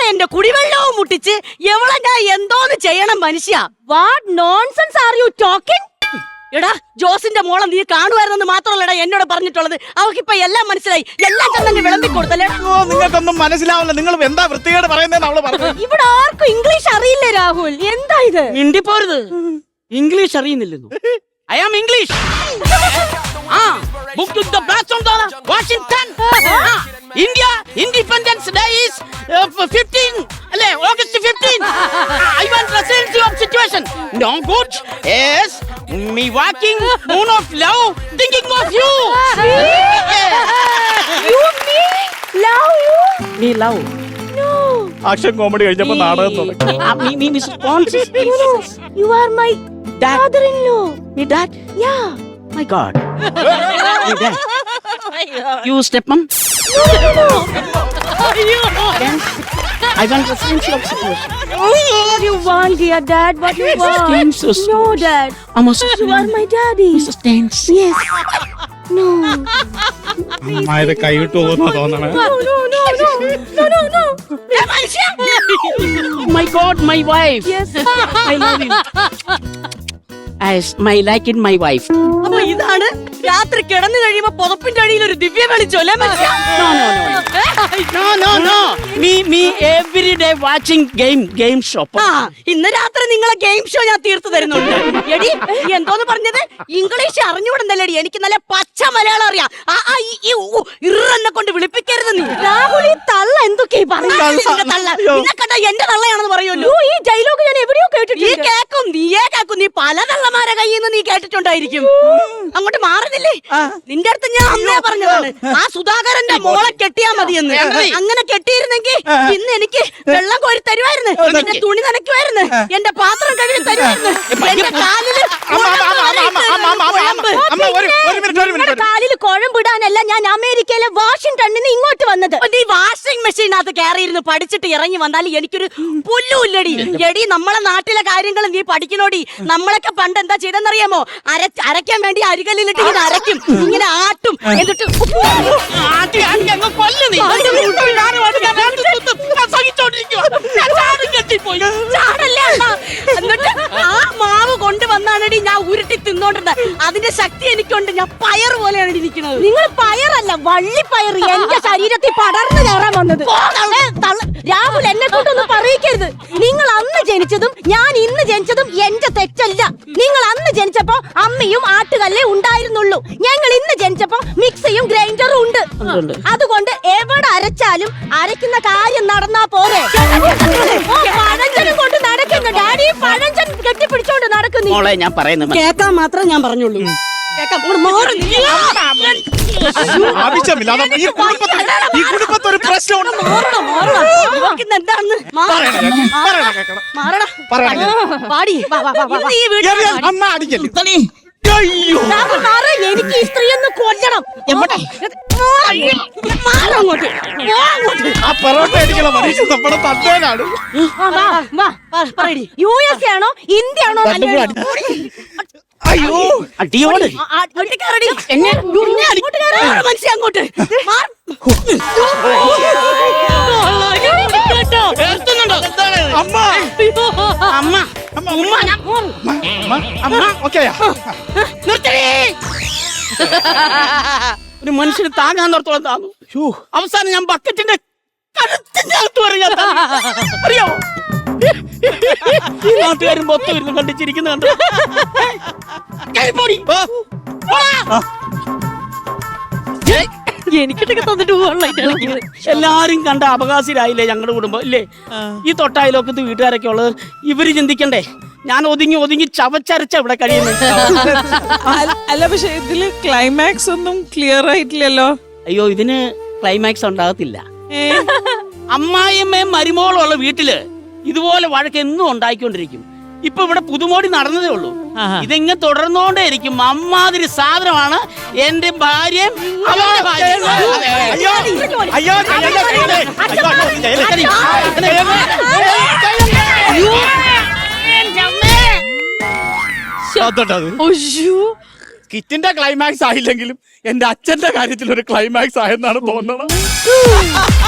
ഇവിടെ എന്റെ കുടിവെള്ളവും മുട്ടിച്ച് എവളെ ഞാൻ എന്തോന്ന് ചെയ്യണം മനുഷ്യ? What nonsense are you talking? എടാ ജോസിന്റെ മോളെ നീ കാണുമായിരുന്നെന്ന് മാത്രമല്ലടാ എന്നോട് പറഞ്ഞിട്ടുള്ളത്. അവക്കിപ്പൊ എല്ലാം മനസ്സിലായി, എല്ലാം തന്നെ വിളമ്പി കൊടുത്തല്ലേ. നിങ്ങൾക്കൊന്നും മനസ്സിലാവില്ല, നിങ്ങൾ എന്താ വൃത്തികേട് പറയുന്നതെന്ന് അവള് പറഞ്ഞു. ഇവിടെ ആർക്കും ഇംഗ്ലീഷ് അറിയില്ല രാഹുൽ, എന്താ ഇത്? മിണ്ടിപ്പോരുത്, ഇംഗ്ലീഷ് അറിയുന്നില്ലെന്നു. I am English. Book to the blast on the Washington. India Independence Day is 15 August 15. I want resiliency of situation. No good. Yes, me walking moon of love, thinking of you. You love you? Me love. No. Action comedy കഴിഞ്ഞപ്പോ നാടകം തുടങ്ങി. Me Mr. Pons. No. You are my father-in-law. Me dad. Yeah. My God. Me dad. You stepmom. No. Then I want resiliency of situation. What you want, dear dad? What you want? Seems so No, dad. I'm a You are my daddy. Mrs. Thanks. Yes. No. അമ്മായത് കൈവിട്ടു പോകുന്ന തോന്നണേ. No. My God, my wife. Yes. I love you. As my like in my wife. അപ്പൊ ഇതാണ് രാത്രി കിടന്നു കഴിയുമ്പോ പുതപ്പിന്റെ അടിയിൽ ഒരു ദിവ്യ വെളിച്ചല്ലേ മനുഷ്യ? No. Me every day watching game show. ഇന്ന് രാത്രി നിങ്ങളെ ഗെയിം ഷോ ഞാൻ തീർത്തു തരുന്നുണ്ട്. എടി നീ എന്തോന്ന് പറഞ്ഞത്? ഇംഗ്ലീഷ് അറിഞ്ഞുകൂടുന്നല്ലേടി, എനിക്ക് നല്ല പച്ച മലയാളം അറിയാം. ഇറന്നെ കൊണ്ട് വിളിപ്പിക്കരുത് നീ. രാഹുൽ, ഈ തള്ള എന്തൊക്കെയാ നിന്നെ കണ്ട എന്റെ തള്ളയാണെന്ന് പറയുമല്ലോ. ഈ ഡയലോഗ് ഞാൻ എവിടെയോ കേട്ടിട്ടുണ്ട്. നീയേ കേക്കും, നീ പല തള്ളമാരെ കയ്യിൽ നിന്ന് നീ കേട്ടിട്ടുണ്ടായിരിക്കും. അങ്ങോട്ട് മാറുന്നില്ലേ? നിന്റെ അടുത്ത് ഞാൻ അന്നേ പറഞ്ഞതാണ് ആ സുധാകരന്റെ മോളെ കെട്ടിയാ മതിയെന്ന്. അങ്ങനെ കെട്ടിയിരുന്നെങ്കിൽ ഇന്ന് എനിക്ക് വെള്ളം കോരി തരുമായിരുന്നു, എന്റെ തുണി നനയ്ക്കുമായിരുന്നു, എന്റെ പാത്രം കഴുകി തരുമായിരുന്നു, എന്റെ കാലിൽ കുഴമ്പിടാനല്ല ഞാൻ അമേരിക്കയിലെ വാഷിംഗ്ടണിൽ നിന്ന് ഇങ്ങോട്ട് വന്നത്. ഈ വാഷിംഗ് മെഷീനകത്ത് കയറിയിരുന്ന് പഠിച്ചിട്ട് ഇറങ്ങി വന്നാൽ എനിക്കൊരു പുല്ലുമില്ലടി. എടി നമ്മളെ നാട്ടിലെ കാര്യങ്ങൾ നീ പഠിക്കണോടി. നമ്മളൊക്കെ പണ്ട് എന്താ ചെയ്തെന്നറിയാമോ? അരയ്ക്കാൻ വേണ്ടി അരികല്ലിലിട്ട് ഇങ്ങനെ അരയ്ക്കും, ഇങ്ങനെ ആട്ടും, എന്നിട്ട് എന്നിട്ട് ആ മാവ് കൊണ്ടുവന്നാണടി ഞാൻ ഉരുട്ടി തിന്നോണ്ടിരുന്നത്. അതിന്റെ ശക്തി എനിക്കുണ്ട്, ഞാൻ പയർ പോലെയാണ് ഇരിക്കുന്നത്. നിങ്ങൾ പയറല്ല, വള്ളിപ്പയർ എന്റെ ശരീരത്തിൽ പടർന്നു കയറാൻ വന്നത്. രാഹുൽ, എന്നെ കൊണ്ടൊന്നും പറയിക്കരുത്. നിങ്ങൾ അന്ന് ജനിച്ചതും ഞാൻ ഇന്ന് ജനിച്ചതും എന്റെ തെറ്റല്ല. നിങ്ങൾ അന്ന് ജനിച്ചപ്പോ അമ്മയും ആട്ടുകല്ലേ ഉണ്ടായിരുന്നുള്ളൂ. ഞങ്ങൾ ഇന്ന് ജനിച്ചപ്പോ മിക്സിയും ഗ്രൈൻഡറും ഉണ്ട്. അതുകൊണ്ട് എവിടെ അരച്ചാലും അരയ്ക്കുന്ന കാര്യം നടന്നാ പോരെ. പഴഞ്ചനും കൊണ്ട് നടക്കുന്നു ഡാഡി, പഴഞ്ചൻ കെട്ടിപ്പിടിച്ചോണ്ട് നടക്കുന്നു. ഞാൻ പറയുന്നത് കേൾക്കാൻ മാത്രം ഞാൻ പറഞ്ഞുള്ളൂ. ആവശ്യമില്ലാതെ ഈ കുടുംബത്തിൽ ഒരു പ്രശ്നമുണ്ട്. അമ്മ അടിക്കല്ലേ? എനിക്ക് ഈ സ്ത്രീ ഒന്ന് കൊല്ലണം. ആ പൊറോട്ട അടിക്കണ മനുഷ്യൻ നമ്മുടെ തന്തേനാണ്. USA ആണോ ഇന്ത്യ ആണോ? അയ്യോ അടിയോട് അങ്ങോട്ട് അമ്മ അമ്മ അമ്മ ഓക്കെയാ? ഒരു മനുഷ്യന് താങ്ങാൻ നിർത്തോളം താങ്ങും. അവസാനം ഞാൻ ബക്കറ്റിന്റെ കഴുത്തിന്റെ അകത്ത് പറയാ. അറിയാമോ ഈ നാട്ടുകാരും പൊത്തു വരുന്നു കണ്ടിച്ചിരിക്കുന്ന കണ്ടു. എനിക്കിട്ടൊക്കെ തന്നിട്ട് പോകാനുള്ള എല്ലാരും കണ്ട അപകാശിരായില്ലേ ഞങ്ങളുടെ കുടുംബം ഇല്ലേ? ഈ തൊട്ടായാലൊക്കത്ത് വീട്ടുകാരൊക്കെ ഉള്ളത്. ഇവര് ചിന്തിക്കണ്ടേ ഞാൻ ഒതുങ്ങി ചവച്ചരച്ച ഇവിടെ കഴിയുന്നത്. അല്ല, പക്ഷെ ഇതില് ക്ലൈമാക്സ് ഒന്നും ക്ലിയർ ആയിട്ടില്ലല്ലോ. അയ്യോ, ഇതിന് ക്ലൈമാക്സ് ഉണ്ടാകത്തില്ല. അമ്മായിയമ്മയും മരുമോളുള്ള വീട്ടില് ഇതുപോലെ വഴക്ക് എന്നും ഉണ്ടായിക്കൊണ്ടിരിക്കും. ഇപ്പൊ ഇവിടെ പുതുമോടി നടന്നതേ ഉള്ളൂ. ഇതിങ്ങനെ തുടർന്നോണ്ടേ ഇരിക്കും. അമ്മാതിരി സാധനമാണ് എന്റെ ഭാര്യയും അവളുടെ ഭാര്യയും. കിറ്റിന്റെ ക്ലൈമാക്സ് ആയില്ലെങ്കിലും എന്റെ അച്ഛന്റെ കാര്യത്തിൽ ഒരു ക്ലൈമാക്സ് ആയെന്നാണ് തോന്നണം.